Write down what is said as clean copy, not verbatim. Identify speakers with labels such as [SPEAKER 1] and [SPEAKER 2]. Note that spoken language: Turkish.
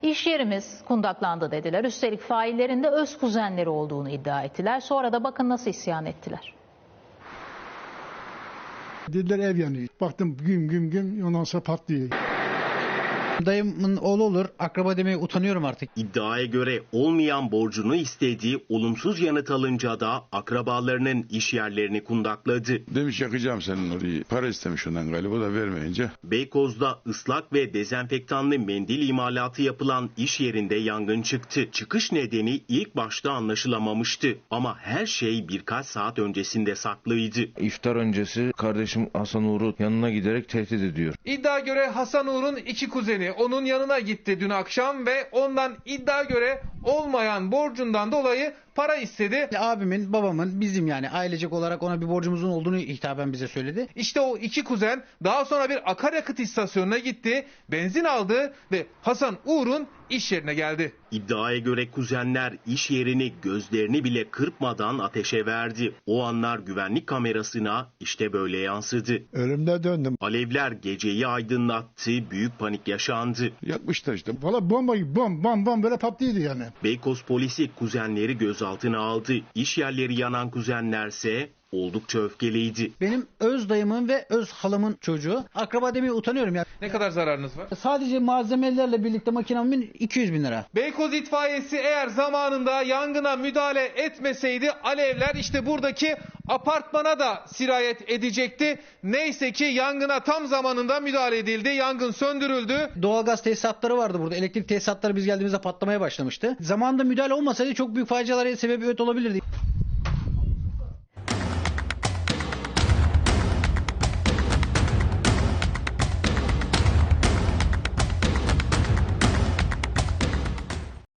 [SPEAKER 1] İş yerimiz kundaklandı dediler. Üstelik faillerin de öz kuzenleri olduğunu iddia ettiler. Sonra da bakın nasıl isyan ettiler.
[SPEAKER 2] Dediler ev yanıyor. Baktım güm ondan sonra patlıyor.
[SPEAKER 3] Dayımın oğlu olur. Akraba demeye utanıyorum artık.
[SPEAKER 4] İddiaya göre olmayan borcunu istediği, olumsuz yanıt alınca da akrabalarının iş yerlerini kundakladı.
[SPEAKER 5] Demiş yakacağım senin orayı. Para istemiş ondan galiba, o da vermeyince.
[SPEAKER 4] Beykoz'da ıslak ve dezenfektanlı mendil imalatı yapılan iş yerinde yangın çıktı. Çıkış nedeni ilk başta anlaşılamamıştı ama her şey birkaç saat öncesinde saklıydı.
[SPEAKER 6] İftar öncesi kardeşim Hasan Uğur'u yanına giderek tehdit ediyor.
[SPEAKER 7] İddia göre Hasan Uğur'un iki kuzeni onun yanına gitti dün akşam ve ondan iddia göre olmayan borcundan dolayı para istedi.
[SPEAKER 3] Abimin, babamın, bizim yani ailecek olarak ona bir borcumuzun olduğunu hitaben bize söyledi.
[SPEAKER 7] İşte o iki kuzen daha sonra bir akaryakıt istasyonuna gitti, benzin aldı ve Hasan Uğur'un iş yerine geldi.
[SPEAKER 4] İddiaya göre kuzenler iş yerini gözlerini bile kırpmadan ateşe verdi. O anlar güvenlik kamerasına işte böyle yansıdı.
[SPEAKER 2] Ölümde döndüm.
[SPEAKER 4] Alevler geceyi aydınlattı, büyük panik yaşandı.
[SPEAKER 5] Yakmışlar işte.
[SPEAKER 2] Valla bomba gibi bam böyle patlıyordu yani.
[SPEAKER 4] Beykoz polisi kuzenleri gözaltına aldı. İş yerleri yanan kuzenlerse oldukça öfkeliydi.
[SPEAKER 3] Benim öz dayımın ve öz halamın çocuğu. Akraba demeye utanıyorum ya.
[SPEAKER 7] Ne kadar zararınız var?
[SPEAKER 3] Sadece malzemelerle birlikte makinamın 200 bin lira.
[SPEAKER 7] Beykoz itfaiyesi eğer zamanında yangına müdahale etmeseydi alevler işte buradaki apartmana da sirayet edecekti. Neyse ki yangına tam zamanında müdahale edildi. Yangın söndürüldü.
[SPEAKER 3] Doğalgaz tesisatları vardı burada. Elektrik tesisatları biz geldiğimizde patlamaya başlamıştı. Zamanında müdahale olmasaydı çok büyük facialara sebebiyet olabilirdi.